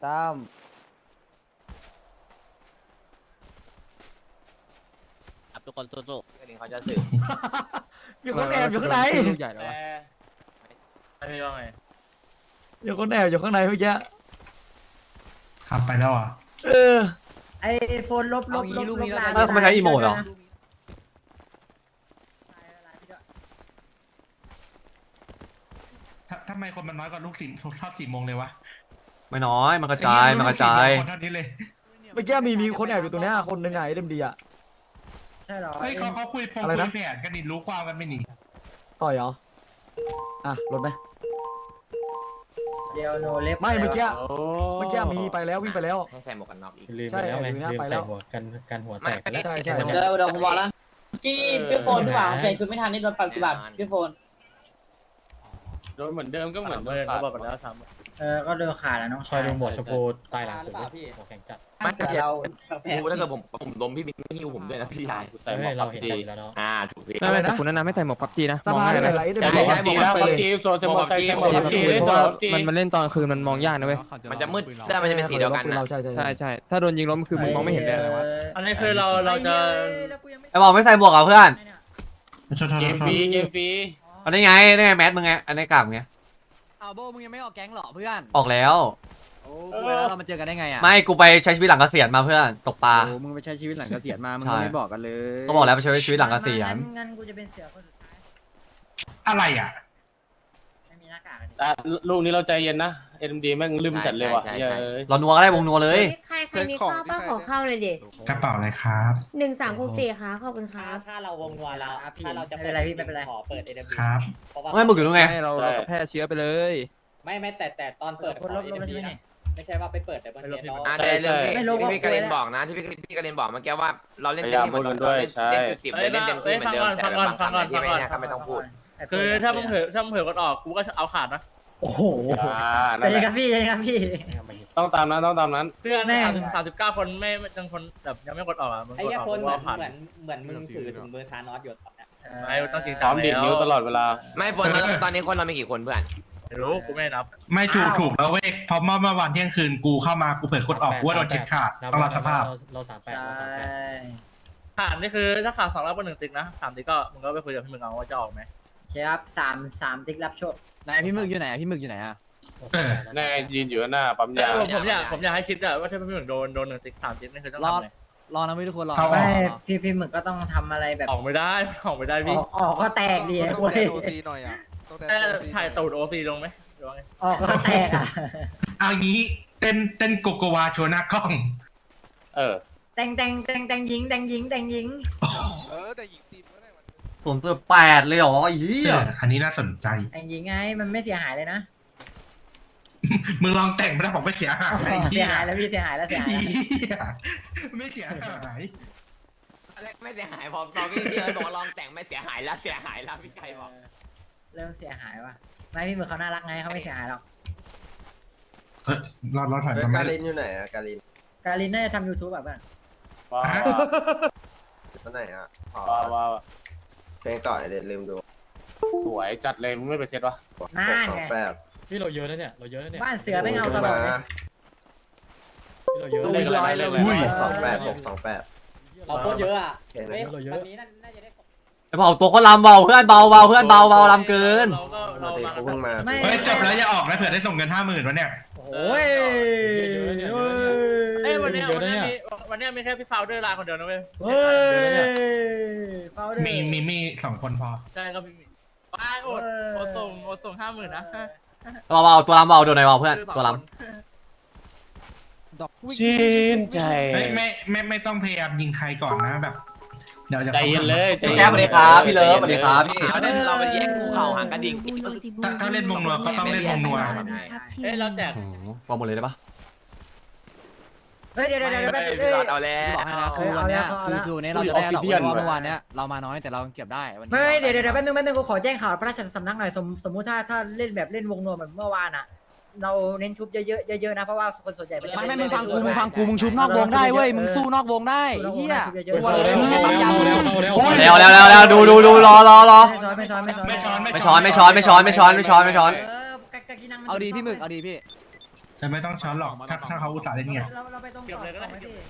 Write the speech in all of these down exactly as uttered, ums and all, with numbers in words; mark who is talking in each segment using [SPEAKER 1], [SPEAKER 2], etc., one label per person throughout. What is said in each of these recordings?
[SPEAKER 1] ตั้มครับทุกคนสู้ๆเดี๋ยวเขาจะสื่อ
[SPEAKER 2] มีคนแอบอยู่ข้างใน
[SPEAKER 3] ลูกใหญ่แล้ววะ
[SPEAKER 2] ไม่มีว่าไงมีคนแอบอยู่ข้างในเมื่อกี้
[SPEAKER 4] ขับไปแล้วอ่ะ
[SPEAKER 2] เออ
[SPEAKER 5] ไอโฟนลบลบลบลบลาย
[SPEAKER 3] เออเขาไม่ใช้อีโมดเหรอ
[SPEAKER 4] ททำไมคนมันน้อยกว่าลูกสี่ทอดสี่โมงเลยวะ
[SPEAKER 3] ไม่น้อยมันกระจายมันกระจาย
[SPEAKER 4] คนเท่านี้เลย
[SPEAKER 2] เมื่อกี้มีมีคนแอบอยู่ตรงเนี้ยคนหนึ่งไงเอ็มดีอ่ะ
[SPEAKER 5] ใช่หรอ
[SPEAKER 4] เฮ้ยเขาเขาคุยพง
[SPEAKER 2] อะไร
[SPEAKER 4] คุ
[SPEAKER 2] นะ
[SPEAKER 4] ยแผนกันนี่รู้ความกันไม่หนี
[SPEAKER 2] ต่อยเหรออ่ะรถไหม
[SPEAKER 5] เดียวโนเล็บ
[SPEAKER 2] ไม่เมื่อกี้เมื่อกี้มีไปแล้ววิ่งไปแล้ว
[SPEAKER 1] ให้ใส่หมวกกันน็อกอีก
[SPEAKER 6] ลืมไปแล้วไง
[SPEAKER 2] ใช่
[SPEAKER 6] ลืม
[SPEAKER 2] ไปแล้
[SPEAKER 6] ใส่
[SPEAKER 2] ว
[SPEAKER 6] หัวกันกันหัวแตกไปแล้ว
[SPEAKER 2] ใช่ใช่
[SPEAKER 5] เดี๋ยวเดี๋ยวผมบอกแล้วพี่พี่โฟนพี่บ่าวใส่ชุดไม่ทันนี่โดนปรับกี่บาทพี่โฟน
[SPEAKER 7] โดนเหมือนเดิมก็เหมือน
[SPEAKER 2] เมื่อเขาบอกไปแล้วทำ
[SPEAKER 5] เออก็โดนขาดแล้วน้อง
[SPEAKER 6] คอยดูหมวดชมพูตายหลังสุดหัวแข็งจัด
[SPEAKER 5] ไม่แต่เรา
[SPEAKER 1] กูถ้าเกิดผมผมล้มพี่บิ๊กไม่หิ้วผมด้วยนะพี่ชาย
[SPEAKER 7] ใส่หม
[SPEAKER 6] เฮ้
[SPEAKER 7] วย ก
[SPEAKER 6] เรา
[SPEAKER 7] พับ
[SPEAKER 6] เห็น
[SPEAKER 7] จี
[SPEAKER 6] กันอยู่แล้วเนาะ
[SPEAKER 1] อ่าถูกพี่
[SPEAKER 3] ไม่ไม่แต่คุณแนะนำให้ใส่หมวกพับจีนะ
[SPEAKER 2] สภาได้ไหนเอ็ม
[SPEAKER 7] ใช่
[SPEAKER 2] ดี
[SPEAKER 7] ใช่พับจีแล้วพับจีโซนเซมอใส่เซมอพับจีเลย
[SPEAKER 3] เพ
[SPEAKER 7] โซ
[SPEAKER 3] ราะ
[SPEAKER 7] น
[SPEAKER 3] ว่า
[SPEAKER 7] พับจี
[SPEAKER 3] มันมันเล่นตอนคืนมันมองยากนะเว้ย
[SPEAKER 1] มันจะมืดแต่มันจะเป็นสีเดียวกันนะ
[SPEAKER 2] เราใช่ใช่
[SPEAKER 3] ใช่ใช่ถ้าโดนยิงล้มคือมึงมองไม่เห็นเลยนะ
[SPEAKER 2] อันนี้คือเราเราจะ
[SPEAKER 3] ไอ้บอกไม่ใส่หมวกเหรอเพื่อน
[SPEAKER 4] โทษโทษ
[SPEAKER 7] เก
[SPEAKER 4] โท
[SPEAKER 7] ม
[SPEAKER 4] ษ
[SPEAKER 7] ฟรีเกมฟรี
[SPEAKER 3] อันนี้ไงนี่ไงแมสมึงไงอันนี้กลับไง
[SPEAKER 8] อ้าวโบมึงยังไม่ออกแก๊งเหรอเพื่อน
[SPEAKER 3] ออกแล้ว
[SPEAKER 8] โอ้กูแล้วเรามาเจอกันได้ไงอ่ะ
[SPEAKER 3] ไม่กูไปใช้ชีวิตหลังเกษียณมาเพื่อนตกปลา
[SPEAKER 8] โอ้มึงไปใช้ชีวิตหลังเกษียณมามึง
[SPEAKER 3] ใช่
[SPEAKER 8] ไม่บอกกันเลย
[SPEAKER 3] ก็บอกแล้วไปใช้ชีวิตหลังเกษียณ
[SPEAKER 5] งั้นกูจะเป็นเสือคนสุดท้าย
[SPEAKER 4] อะไรอ่ะ
[SPEAKER 5] ไม่มีหน้ากาก
[SPEAKER 7] อ่ะลูกนี้เราใจเย็นนะเอ็มดีแม่งลืมจัดเลยว่ะเย้ย
[SPEAKER 3] เรานัวก็ได้วงนัวเลย
[SPEAKER 9] ใครใครมีข้าวป้าขอข้าวเลยดิ
[SPEAKER 4] กระเป๋าอะไรครับ
[SPEAKER 9] หนึ่งสามหกสี่ค่ะขอบคุณครับ
[SPEAKER 5] ถ้าเราวงนัวเราถ้าเราจะไม่เป็นไรพี่ไม่เป็นไรขอเปิดเอ็ม
[SPEAKER 4] ครับ
[SPEAKER 3] ไม่มึงอยู่ตรงไง
[SPEAKER 8] ไม่เราเราก็แพร่เชื้อไปเลย
[SPEAKER 5] ไม่ไม่แต่แต่ตอนเปิดคนลบลบใช่ไหมไม่ใช่ว่าไปเปิดแต่บนเน็ตเรา
[SPEAKER 1] อ่าแต่เรื่องที่พี่กระเด็นบอกนะที่พี่พี่กระเด็นบอกเมื่อกี้ว่าเราเล่นเต็มที่หมดเราเล่นเล่นจุดสิบเล่นเต็มที่เหมือนเดิมแต่บางครั้งที่ไม่เนี่ยไม่ต้องพูด
[SPEAKER 2] คือถ้ามึงเผลอถ้ามึงเผลอกดออกกูก็เอาขาดนะ
[SPEAKER 5] โอ้โห
[SPEAKER 7] อ่า
[SPEAKER 5] ใจ
[SPEAKER 7] นั่นแห
[SPEAKER 5] เย็น
[SPEAKER 7] ละ
[SPEAKER 5] ครับพี่ใจเย็นครับพี่
[SPEAKER 7] ต้องตามนั้นต้องตามนั้น
[SPEAKER 2] เพื่อน
[SPEAKER 5] แม่
[SPEAKER 2] สามสิบสามสิบเก้าคนไม่ยังคนแบบยังไม่กดออกอ่ะมึง
[SPEAKER 5] ไอ้
[SPEAKER 2] กด
[SPEAKER 5] ยา
[SPEAKER 2] ออก
[SPEAKER 5] คน
[SPEAKER 2] กู
[SPEAKER 5] เหมือน
[SPEAKER 2] เอาขาด
[SPEAKER 5] เหมือนเหมือนมึงถือถุงมือทานอสอยู่ตอนเนี้ย
[SPEAKER 2] ไม่ต้องจริง
[SPEAKER 7] พ
[SPEAKER 2] จั
[SPEAKER 7] ร้อง มดีดนิ้วตลอดเวลา
[SPEAKER 1] ไม่ฝนตอนนี้คนเรามีกี่คนเพื่อน
[SPEAKER 2] ไม่รู้กูไม่นับ
[SPEAKER 4] ไม่ถูกถูกแล้วเว้ยเพราะเมื่อเมื่อวันเที่ยงคืนกูเข้ามากูเผยกดออกกูว่าโดนเช็คขาดต้องรับสภาพ
[SPEAKER 6] เราสามแปด
[SPEAKER 5] ใช่
[SPEAKER 6] เราสามแปด
[SPEAKER 2] ขาดนี่คือถ้าขาดสองรอบก็หนึ่งติ๊กนะสามติ๊กก็มึงก็ไปคุยกับพี่มึงเอาว่าจะออกไหม
[SPEAKER 5] ครับสามสามติ๊กรับโชค
[SPEAKER 8] ไหนพี่หมึกอยู่ไหนอะพี่หมึกอยู่ไหนอะ
[SPEAKER 7] แน่ยืนอยู่หน้าปั๊มยา
[SPEAKER 2] ผมผมอยากผมอยากให้คิดอะว่าถ้าพี่มึงโดนโดนหนึ่งติ๊กสามติ๊กนี่คือต้อง
[SPEAKER 8] รอ
[SPEAKER 2] ทำไง
[SPEAKER 8] รอนะพี่ทุกคนรอ
[SPEAKER 4] เอา
[SPEAKER 5] ไม่พี่พี่หมึกก็ต้องทำอะไรแบบ
[SPEAKER 2] ออกไม่ได้ออกไม่ได้
[SPEAKER 5] อ
[SPEAKER 2] พี่
[SPEAKER 5] อกออกก็แตกดี
[SPEAKER 10] ต้อง
[SPEAKER 5] เว้ย
[SPEAKER 10] แดนโอซีหน่อยอ่ะต้องแดน
[SPEAKER 2] เอ้ย
[SPEAKER 10] โอซี
[SPEAKER 2] ถ่ายตูดโอซีลงไหมหรือว่าไง
[SPEAKER 5] ออกก็แตกอ่ะ
[SPEAKER 4] เอางี้เต้นเต้นโกโกวาโชว์หน้ากล้อง
[SPEAKER 7] เออ
[SPEAKER 5] แต่งแต่งแต่งแต่งยิงแต่งยิงแต่งยิง
[SPEAKER 10] เออแต่หญิงทีมก็ได้มัน
[SPEAKER 3] ผมตัวแปดเลยเหรอไอ้เหี้ย
[SPEAKER 4] เอออันนี้น่าสนใจ
[SPEAKER 5] แต่งยิงไงมันไม่เสียหายเลยนะ
[SPEAKER 4] มึงลองแต่งไม่ได้บอกไม่เสียหายไอ้
[SPEAKER 5] เสี
[SPEAKER 4] เหี้
[SPEAKER 5] ย
[SPEAKER 4] ย
[SPEAKER 5] หายแล้วพี่เสียหายแล้วเสียหาย
[SPEAKER 4] ไอ้
[SPEAKER 5] แล้ว
[SPEAKER 4] เหี้ยไม่เสียหาย
[SPEAKER 1] ไม่เสียหายพอตอนพี่เลยบอกลองแต่งไม่เสียหายแล้วเสียหายแล้วพี่ไก่บอก
[SPEAKER 5] เริ่มเสียหายว่ะไม่พี่หมึกเขาน่ารักไงเขาไม่เสียหายหรอก
[SPEAKER 4] เออรอดรอดถอย
[SPEAKER 10] เฮ้ย
[SPEAKER 4] มา
[SPEAKER 10] การ
[SPEAKER 4] ไม่
[SPEAKER 10] ลินอยู่ไหนอ่ะการลิน
[SPEAKER 5] การินน่าจะทำยูทูบแบบนั้น
[SPEAKER 7] ว้าว
[SPEAKER 10] ที่ไหนอ่ะอ๋อ
[SPEAKER 7] ว้าวว้าว
[SPEAKER 10] เพลงก่อนเด็ดลืมดู
[SPEAKER 7] สวยจัดเลยมึงไม่ไปเซตวะ
[SPEAKER 5] น่า
[SPEAKER 10] หกสอง
[SPEAKER 5] ไง
[SPEAKER 10] แปด
[SPEAKER 6] พี่เราเยอะนะเนี่ยเราเยอะนะเนี่ย
[SPEAKER 5] บ้านเสือไม่เอาตลอดเลย
[SPEAKER 6] พี่เราเยอะ
[SPEAKER 7] เล่นอะไรเลย
[SPEAKER 10] หกสองแปดหกสองแปด
[SPEAKER 5] เราโคตรเยอะอ่ะ
[SPEAKER 10] เพลงไหน
[SPEAKER 5] เฮ้ยวันนี้น่าจะได้
[SPEAKER 3] ไอ้บอกตัวเขาลำเบาเพื่อนเบาเบาเพื่อนเบาเบาลำเกิน
[SPEAKER 2] เราก็เรา
[SPEAKER 10] นาที
[SPEAKER 2] มา
[SPEAKER 10] กูเพิ่งมา
[SPEAKER 5] ไม่
[SPEAKER 4] เฮ้ยจบแล้วอย่าออกนะเผื่อได้ส่งเงินห้าหมื่นวะเนี่ย
[SPEAKER 5] โอ้ย
[SPEAKER 2] เอ้ยวันเนี้ยวันเนี้ยมีวันเนี้ยมีแค่พี่ฟาวเดอร์ลาคนเดียวนะเว้ย
[SPEAKER 5] เฮ้ยเฝ้าด้วย
[SPEAKER 4] มีมีมีสองคนพอ
[SPEAKER 2] ใช่ครับพี่ว้ายโอดโอดส่งโอดส่งห้าหมื่นนะ
[SPEAKER 3] เบาเบาตัวลำเบาโดนไหนเบาเพื่อนตัวล
[SPEAKER 8] ดอกวิ่ง
[SPEAKER 7] ชื่นใจ
[SPEAKER 4] เฮ้ยไม่ไม่ไม่ต้องพยายามยิงใครก่อนนะแบบ เดี๋ยวเดี๋ยว
[SPEAKER 7] ใจเย็นเลย
[SPEAKER 3] ำพี่แก้วสวัสดีครับพี่เลิฟสวัสดีครับพี่
[SPEAKER 1] เราเล่นเราไปแย่งงูเห่าหางกระดิ่ง
[SPEAKER 4] ถ้าถ้าเล่นวงนัวก็ต้องเล่นวงนัว
[SPEAKER 2] เอ้ยเราแจก
[SPEAKER 3] โอ้โหบอกหมดเลยได้ปะ
[SPEAKER 5] เฮ้ยเดี๋ยวเดี๋ยวเดี๋ยว
[SPEAKER 1] ไม่
[SPEAKER 5] เดี๋ยว
[SPEAKER 1] พี่
[SPEAKER 5] เดี๋ยว
[SPEAKER 1] หลอดเอาแล้
[SPEAKER 8] พี่บอก
[SPEAKER 1] ว
[SPEAKER 8] ให้นะคือวันเนี้ยคือคือวันนี้เราจะได้ดอกเพราะว่าเมื่อวานเนี้ยเรามาน้อยแต่เราเก็บได้วันนี้
[SPEAKER 5] ไม่เดี๋ยวเดี๋ยวแป๊บนึงแป๊บนึงกูขอแจ้งข่าวพระราชสำนักหน่อยสมสมมุติถ้าถ้าเล่นแบบเล่นวงนวมแบบเมื่อวานอ่ะ เราเน้นชุบเยอะๆเยอะๆนะเพราะว่าคนส่วนใหญ่
[SPEAKER 8] ไม่ไม่มึงฟังกูมึงฟังกูมึงชุบนอกวงได้เว้ยมึงสู้นอกวงได้เฮียตัวเลยมึงให้ปั๊มยา
[SPEAKER 3] เร็วเร็วเร็วเร็วดูดูดูรอรอรอ
[SPEAKER 5] ไม่ซ้อนไม่ซ้อนไม่ซ้อน
[SPEAKER 4] ไม่ช้อน
[SPEAKER 3] ไม่ช้อนไม่ช้อนไม่ช้อนไม่ช้อนไม่ช้อนไม่ช้อนไม่ช้อน
[SPEAKER 5] เออกะกะกินังมัน
[SPEAKER 8] เอาดีพี่หมึกเอาดีพี่
[SPEAKER 4] แต่ไม่ต้องช้อนหรอกถ้าถ้าเขาอุตส่าห์เล่นไง
[SPEAKER 5] เราเราไปตรง
[SPEAKER 2] เก็บเลยก็ได้
[SPEAKER 5] ต่อไหมพี่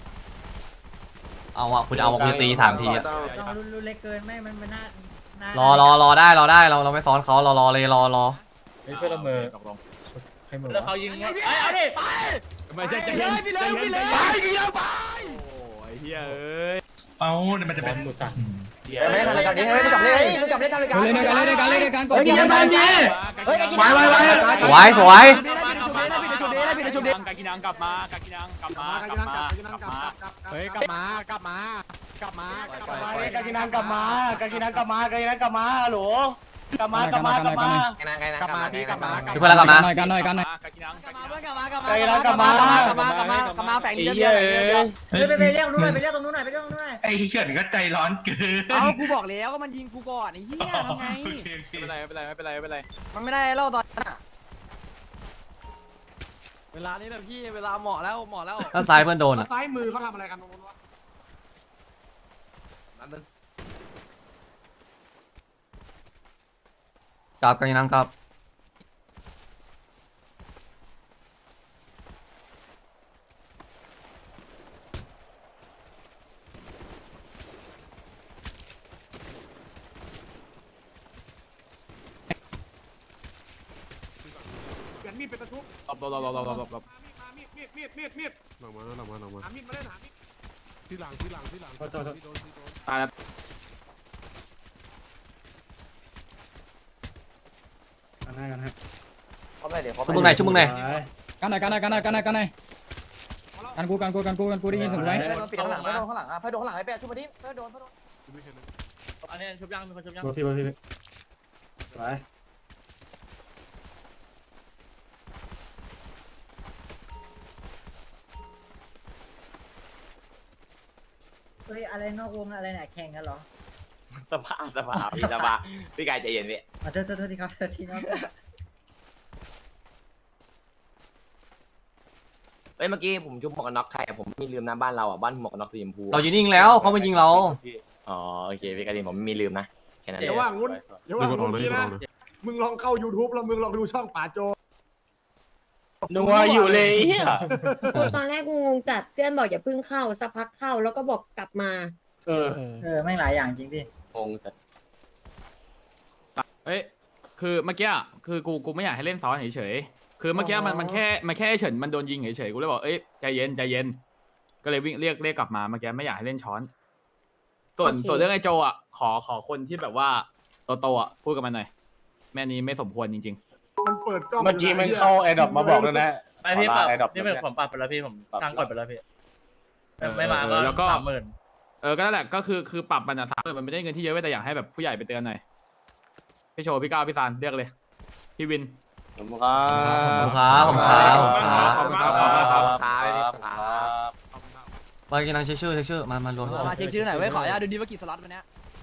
[SPEAKER 3] เอาอะคุณเอามาคุณตีสามทีอะ
[SPEAKER 10] ต้อง
[SPEAKER 5] ลองรุ่นเล็กเกินไม่มันมันน่าร
[SPEAKER 3] อรอรอได้รอได้เราเราไม่ซ้อนเขารอรอเลยรอรอ
[SPEAKER 6] เฮ้ยเพื่อนละเมอให้มือ
[SPEAKER 2] แล้วเขายิงว่าเอ้ยเอาดิ
[SPEAKER 8] ไม่ใช่ใจเย็นพี่เลยพี่เลยไปพี่เลยไป
[SPEAKER 4] เอาเนี่ยมันจะ
[SPEAKER 6] บ
[SPEAKER 4] เป็
[SPEAKER 6] อน ลกูสั่ง
[SPEAKER 10] ไม่ได้ทำอะไรกันนี่เฮ้ยมึงกลับเลยมึงกลับเลยทำอะไรกัน
[SPEAKER 8] เล่นกันเล่นกันเล่นกันกด
[SPEAKER 10] เฮ้ยกินน้ำดีเฮ้ยกินน้ำ
[SPEAKER 3] สวยสวย
[SPEAKER 8] พี่ได้ชุดเด้ได้พี่ได้ชุดเด้ได้พี่ได้ชุดเด้
[SPEAKER 7] กากินังกลับมากากินังกลับมากลับมากลับมา
[SPEAKER 8] เฮ้ยกลับมากลับมากลับมากลับมาก
[SPEAKER 7] ากินังกลับมากากินังกลับมากากินังกลับมาหรอกลับมากลับมากลับมา
[SPEAKER 1] ไอ้นางไอ้นาง
[SPEAKER 8] กลับมาพี่กลับมาก
[SPEAKER 3] ทุกคนแล้วกลับมา
[SPEAKER 6] หน่อยกันหน่อยกันหน่อย
[SPEAKER 7] กากินัง
[SPEAKER 8] กลับมาเพื่อนกลับมากลับมากลับมากลับมากลับมากลับมากลับมาแฝงเยอะเยอะ
[SPEAKER 5] เฮ้ยไปไปเรียกตรงนู้นหน่อยไปเรียกตรงนู้นหน่อยไปเรียกตรงนู้นหน่อย
[SPEAKER 4] ไอ้เขื่อนก็ใจร้อนเกิน
[SPEAKER 8] เอากูบอกแล้วก็มันยิงกูก่อนไอ้เหี้ยทำไง
[SPEAKER 4] โอเคโอเค
[SPEAKER 7] ไม่เป็นไรไม่เป็นไรไม่เป็นไรไม่เป็นไร
[SPEAKER 8] มันไม่ได้เล่าตอนนั้น
[SPEAKER 6] เวลานี้แหละพี่เวลาเหมาะแล้วเหมาะแล้ว
[SPEAKER 3] ด้านซ้ายเพื่อนโดนอะ
[SPEAKER 6] ซ้ายมือเขาทำอะไรกันตรงนู้นวะ
[SPEAKER 3] กลับกันยังกลับ
[SPEAKER 6] เปลี่ยนมีดเป็นตะชุบ
[SPEAKER 7] หลบหลบหลบหลบหลบหลบ
[SPEAKER 6] มามีดมีดมีดมีดมีด
[SPEAKER 11] หลังมาหลังมาหลังมา
[SPEAKER 6] หามีดมาเล่นหามีด
[SPEAKER 11] ที่หลังที่หลังที่หลังที่โดนที่โดน
[SPEAKER 7] ตายแล้ว
[SPEAKER 6] กันให้กันให้
[SPEAKER 10] เขาไม่เดี๋ยวเขา
[SPEAKER 3] ชุบมึงไหนชุบมึงไหน
[SPEAKER 6] กันหน่อยกันหน่อยกันหน่อยกันหน่อยกันหน่อยกันกูกันกูกันกูกันกูได้ยินเสียงไหม
[SPEAKER 10] เพื่อนโดนปิดข้างหลังเพื่อนโดนข้างหลังอ่ะเพื่อนโดนข้างหลังไอ้แป๊ะช่วยมาดิเพื่อนโดนเพื่อนโดน
[SPEAKER 2] อันนี้ชุบยังมีคนชุบยัง
[SPEAKER 6] พี่พี่พี่ไป
[SPEAKER 5] เฮ้ยอะไรนอกวงอะไรเนี่ยแข่งกันเหรอ
[SPEAKER 1] สภาพสภาพพี่สภาพพี่กายใจเย็นพี่
[SPEAKER 5] อ่ะโทษโทษโทษทีครับโทษทีน้อง
[SPEAKER 1] เอ้ยเมื่อกี้ผมชุบหมวกกันน็อกใครอะผมมีลืมนะบ้านเราอ่ะบ้านหมวกกันน็อกสีชมพู
[SPEAKER 3] เราอยู่นิ่งแล้วเขามายิงเรา
[SPEAKER 1] อ๋อโอเคพี่กายผมไม่มีลืมนะแค่นั้นเอ
[SPEAKER 6] เดี๋ยว
[SPEAKER 1] ง
[SPEAKER 6] ว่างุ้นเดี๋ยวว่าง
[SPEAKER 11] กดอ
[SPEAKER 6] ุ้
[SPEAKER 11] อก
[SPEAKER 6] น
[SPEAKER 11] เลย
[SPEAKER 6] นี้
[SPEAKER 11] กดอ
[SPEAKER 6] นะ
[SPEAKER 11] อกเลย
[SPEAKER 6] มึงลองเข้า YouTube แล้วมึงลองดูช่องป่าโจ
[SPEAKER 7] นัวอยู่เลยเฮีย
[SPEAKER 9] กูตอนแรกกูงงจัดเพื่อนบอกอย่าเพิ่งเข้าสักพักเข้าแล้วก็บอกกลับมา
[SPEAKER 7] เออ
[SPEAKER 5] เออแม่งหลายอย่างจริงพี่
[SPEAKER 7] งงจัด
[SPEAKER 12] เอ้ย คือเมื่อกี้อะคือกู กูไม่อยากให้เล่นซ้อนเฉยๆ คือเมื่อกี้มัน มันแค่ มันแค่เฉินมันโดนยิงเฉยๆ กูเลยบอก เอ้ย ใจเย็น ใจเย็น ก็เลยวิ่งเรียก เรียกกลับมา เมื่อกี้ไม่อยากให้เล่นช้อน ส่วน
[SPEAKER 9] โอเค
[SPEAKER 12] ส่วนเรื่องไอ้โจอ่ะ ขอ ขอคนที่แบบว่าโตๆอ่ะ พูดกับมันหน่อย แม่นี้ไม่สมควรจริง
[SPEAKER 6] มันเปิดกล้อง
[SPEAKER 7] เมื่อกี้มันเข้าแอร์ดรอปมาบอกแล้วนะ
[SPEAKER 2] ไปพี่ปรับ
[SPEAKER 7] แอร์ดรอป
[SPEAKER 2] นี่เป็นผมปรับไปแล้วพี่ผมตั้งกดไปแล้วพี่ไม่มา
[SPEAKER 12] เออแล้วก็
[SPEAKER 2] ก็สามหมื่น
[SPEAKER 12] ๆ เออ ก็นั่นแหละ ก็คือ คือปรับมันอ่ะสามหมื่นมันไม่ได้เงินที่เยอะเว้ยแต่อยากให้แบบผู้ใหญ่ไปเตือนหน่อย พี่โชว์พี่ก้าวพี่ซานเรียกเลย พี่วิน
[SPEAKER 7] ผมครับ
[SPEAKER 3] ขอบคุณครับขอบคุณครับขอบคุณครับ
[SPEAKER 7] ขอบคุณครับ
[SPEAKER 1] ครับ
[SPEAKER 3] ไปกินนังเช็คชื่อเช็คชื่อมามารวม
[SPEAKER 8] มาเช็คชื่อหน่อยเว้ยขออนุญาตดูดีว่ากี่สล็อตวันนี้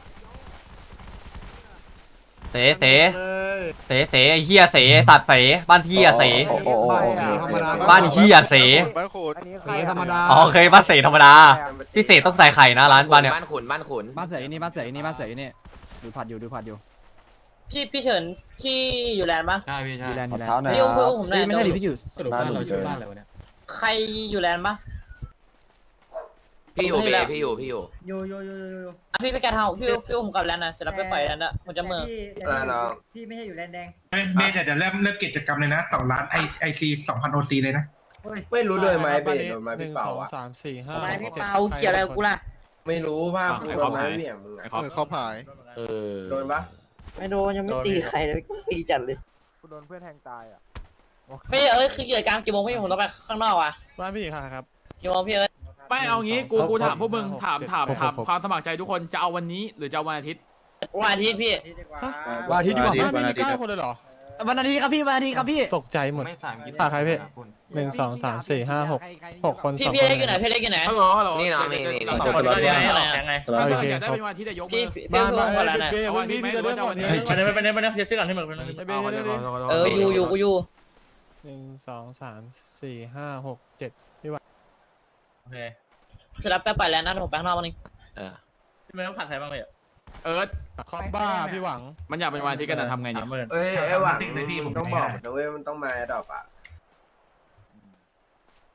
[SPEAKER 3] เสเสเสเสไอ้เฮียเสสัตว์เสบ้านเฮียเส
[SPEAKER 6] ธรรมดา
[SPEAKER 3] บ้านเฮียเส
[SPEAKER 11] บ้านโคตร
[SPEAKER 6] เสียธรรมดา
[SPEAKER 3] อ๋อโอเคบ้านเสธรรมดาที่เสต้องใส่ไข่นะร้านบ้านเนี่ย
[SPEAKER 1] บ้านขุนบ้านขุน
[SPEAKER 8] บ้านเสือนี่บ้านเสือนี่บ้านเสือนี่ดูผัดอยู่ดูผัดอยู่
[SPEAKER 2] พี่พี่เฉินที่อยู่แลนด์ปะ
[SPEAKER 12] ใช่พี่ใช่
[SPEAKER 8] ดีแลนด์ดีแลน
[SPEAKER 10] เท้า
[SPEAKER 8] ด์
[SPEAKER 10] หน่อย
[SPEAKER 2] พี่อุ้มผมหน่อย
[SPEAKER 8] ไม่ใช่ดิพี่อยู่
[SPEAKER 6] สรุปบ้านเราชื่อบ้านอะไรวะเนี่ย
[SPEAKER 2] ใครอยู่แลนด์ปะ
[SPEAKER 1] พี่อยู่
[SPEAKER 2] ไม่
[SPEAKER 1] พี่
[SPEAKER 2] แล้ว
[SPEAKER 1] พี่อยู่พี่อยู่
[SPEAKER 5] โยโยโยโยโย
[SPEAKER 2] อ่ะพี่ไปแกะเท้าพี่พี่อุ้มผมกลับแลนด์นะเสร็จแล้วไปปล่อยแลนด์อะผมจะเมือ
[SPEAKER 5] แต่พี่พี่ไม่ใช่อยู่แลนแดง
[SPEAKER 4] เฮ้ยเบสเดี๋ยวเริ่มเริ่มกิจกรรมเลยนะสองล้านไอไอซีสองพันโอซีเลยนะ
[SPEAKER 10] ไม่รู้ด้วยไหมเบสโดนไม้พี่เป่าอ่ะ
[SPEAKER 11] สามสี่ห้า
[SPEAKER 2] ทำไมพี่เปาเกี่ยวอะไรกับกูล่ะ
[SPEAKER 10] ไม่รู้ภาพโดนไม้เบี่ยงมึง
[SPEAKER 12] ไอ้
[SPEAKER 10] อะ
[SPEAKER 12] ครอบ
[SPEAKER 11] เออเขาผาย
[SPEAKER 12] เออ
[SPEAKER 10] โดนปะ
[SPEAKER 5] ไม่โดนยังไม่ตีใครเลยก็ตีจัดเลย
[SPEAKER 6] โดนเพื่อนแทงตายอ่ะ
[SPEAKER 2] พี่เอ้ยคือกิจกรรมกี่โมงพี่ผมต้องไปข้างนอกอ่ะ
[SPEAKER 11] บ้านพี่ค่ะครับ
[SPEAKER 2] กี่โมงพี่เอ้ย
[SPEAKER 12] ไม่เอางี้ กู กูถามพวกมึง ถาม ถาม ถามความสมัครใจทุกคน จะเอาวันนี้หรือจะเอาวันอาทิตย์
[SPEAKER 2] วันอาทิตย์พี่
[SPEAKER 8] วันอาทิตย์ดีกว่า
[SPEAKER 11] บ้านพี่มีเก้าคนเลยเหรอ
[SPEAKER 8] วันอาทิตย์ครับพี่วันอาทิตย์ครับพี่
[SPEAKER 11] ตกใจหมดฝากใครพี่หนึ่งสองสามสี่ห้าหกหกคน
[SPEAKER 2] พี่
[SPEAKER 11] สอง
[SPEAKER 2] พี่
[SPEAKER 11] คน
[SPEAKER 2] เล็กอยู่ไหนพี่เล็กอยู่ไหน
[SPEAKER 12] ฮัลโหลฮัลโหล
[SPEAKER 1] นี่เนาะนี่นี่
[SPEAKER 12] เรา
[SPEAKER 1] นี่
[SPEAKER 12] จบกันแล้วเนี่ย
[SPEAKER 2] ยังไง
[SPEAKER 12] ถ้า
[SPEAKER 11] โอ
[SPEAKER 12] เกิด
[SPEAKER 11] เค
[SPEAKER 12] อยากได้
[SPEAKER 11] ครบ
[SPEAKER 12] เป็นวันอาทิตย์จะยกมื
[SPEAKER 2] พี่
[SPEAKER 12] อ
[SPEAKER 2] พี่
[SPEAKER 11] บ้าน
[SPEAKER 2] อุ้
[SPEAKER 11] บ้าม น
[SPEAKER 2] ผมแล้วนะ
[SPEAKER 11] เบย์วันนี้พี่จะเริ่มก่อนนี้
[SPEAKER 2] วันนี้วันนี้วันนี้เช็คก่อนที่มึง
[SPEAKER 11] ไอเบย์เรื่อย
[SPEAKER 2] เอออยู่อยู่กูอยู่
[SPEAKER 11] หนึ่งสองสามสี่ห้าหกเจ็ดพี่ว่า
[SPEAKER 2] โอเคเสร็จแล้วแป๊บไปแล้วนะผมแป๊บนอกวันนึง
[SPEAKER 1] เออ
[SPEAKER 2] พี่ไม่ต้องผัดใครบ้างเลย
[SPEAKER 12] เอิร์ธ
[SPEAKER 11] คอมบ้าพี่หวัง
[SPEAKER 12] มันอยากเป็นวันอาทิตย์กันนะทำไง
[SPEAKER 2] สา
[SPEAKER 12] เนี่ย
[SPEAKER 2] มหมื่น
[SPEAKER 10] เอ้ยไอ้หวังมึงต้องบอกนะเว้ยมันต้องมาดรอปอ่ะ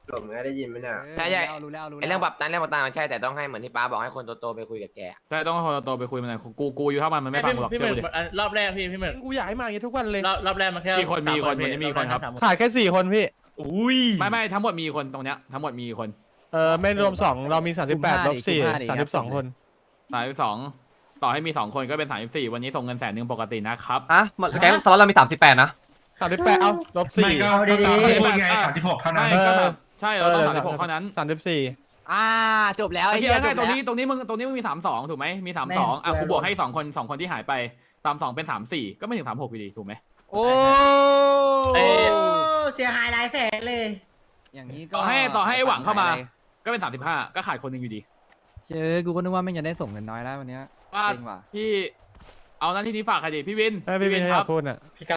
[SPEAKER 10] หลงได้ยินไหมเนี่ย
[SPEAKER 1] ใช่ใช่
[SPEAKER 8] รู้แล้วรู้แล้ว
[SPEAKER 1] ไอเรื่องปรับตันเรื่องปรับตันมันใช่แต่ต้องให้เหมือนที่ป้าบอกให้คนโตๆไปคุยกับแก
[SPEAKER 12] ใช่ต้องให้คนโตไปคุยมันหน่อยกูกูอยู่เท่ามันมันไม่ฟังหรอก
[SPEAKER 2] พี่ห
[SPEAKER 12] เชื่
[SPEAKER 2] มึ
[SPEAKER 12] อก กูดิ
[SPEAKER 2] อันรอบแรกพี่พี่หมึก
[SPEAKER 11] กูอยากให้มาอย่างนี้ทุกวันเลย
[SPEAKER 2] รอบรอบแรกมันแค่
[SPEAKER 12] กี่คนมีคน
[SPEAKER 2] สา
[SPEAKER 12] วันนี้มีคนครับ
[SPEAKER 2] สาม
[SPEAKER 11] ขาดแค่สี่คนพี่
[SPEAKER 12] อุ้ยไม่ไม่ทั้งหมดมีคนตรงเนี้ยทั้งหมดมีคน
[SPEAKER 11] เออไม่รวมสองเรามีสามสิบแปดลบสี่สามสิบสองคน
[SPEAKER 12] สามสิบสองต่อให้มีสองคนก็เป็นสามสิบสี่วันนี้ส่งเงินแสนหนึ่งปกตินะครับ
[SPEAKER 3] อ่ะแก๊งสล็อตเรามีสามสิบแปดนะ
[SPEAKER 11] สามสิบแปดเอาลบ
[SPEAKER 4] ไม่
[SPEAKER 11] สี่
[SPEAKER 4] ก็ก็ตามที่พูดไงสามสิบหกเท่านั้น
[SPEAKER 12] ไม่ก็แบบใช่เราต้องสามสิบหกเท่านั้น
[SPEAKER 11] สามสิบสี่
[SPEAKER 8] อ่าจบแล้ว
[SPEAKER 12] ไอ้
[SPEAKER 8] ไอ้
[SPEAKER 12] เหี้
[SPEAKER 8] เหี้
[SPEAKER 12] ย
[SPEAKER 8] ยจ
[SPEAKER 12] ไง
[SPEAKER 8] บ
[SPEAKER 12] ตรง
[SPEAKER 8] แล้ว
[SPEAKER 12] นี้ตรงนี้มึงตรงนี้มึงมีสามสองถูกไหมมีสามสองอ่ะกูบวกให้สองคนสองคนที่หายไปสามสองเป็นสามสี่ก็ไม่ถึงสามหกอยู่ดีถูกไหม
[SPEAKER 8] โอ้
[SPEAKER 2] เอ้ย
[SPEAKER 5] เสียหายหลายแสนเลย
[SPEAKER 8] อย่างนี้ก็
[SPEAKER 12] ต่อให้ต่อให้ไอ้หวังเข้ามาก็เป็นสามสิบห้าก็ขาดคนหนึ่งอยู่ดี
[SPEAKER 8] เชื่อกูก็นึกว่าไม่จะได้ส่งเงินน้อยแล้ววันเนี้ย
[SPEAKER 12] ว่า
[SPEAKER 8] จริงว่ะ
[SPEAKER 12] พี่เอาหน้าที่นี้ฝากใครดีพี่วิน
[SPEAKER 11] เออพี่วิน
[SPEAKER 12] ค
[SPEAKER 11] ค
[SPEAKER 12] รั
[SPEAKER 11] รับ บพูดอ่ะ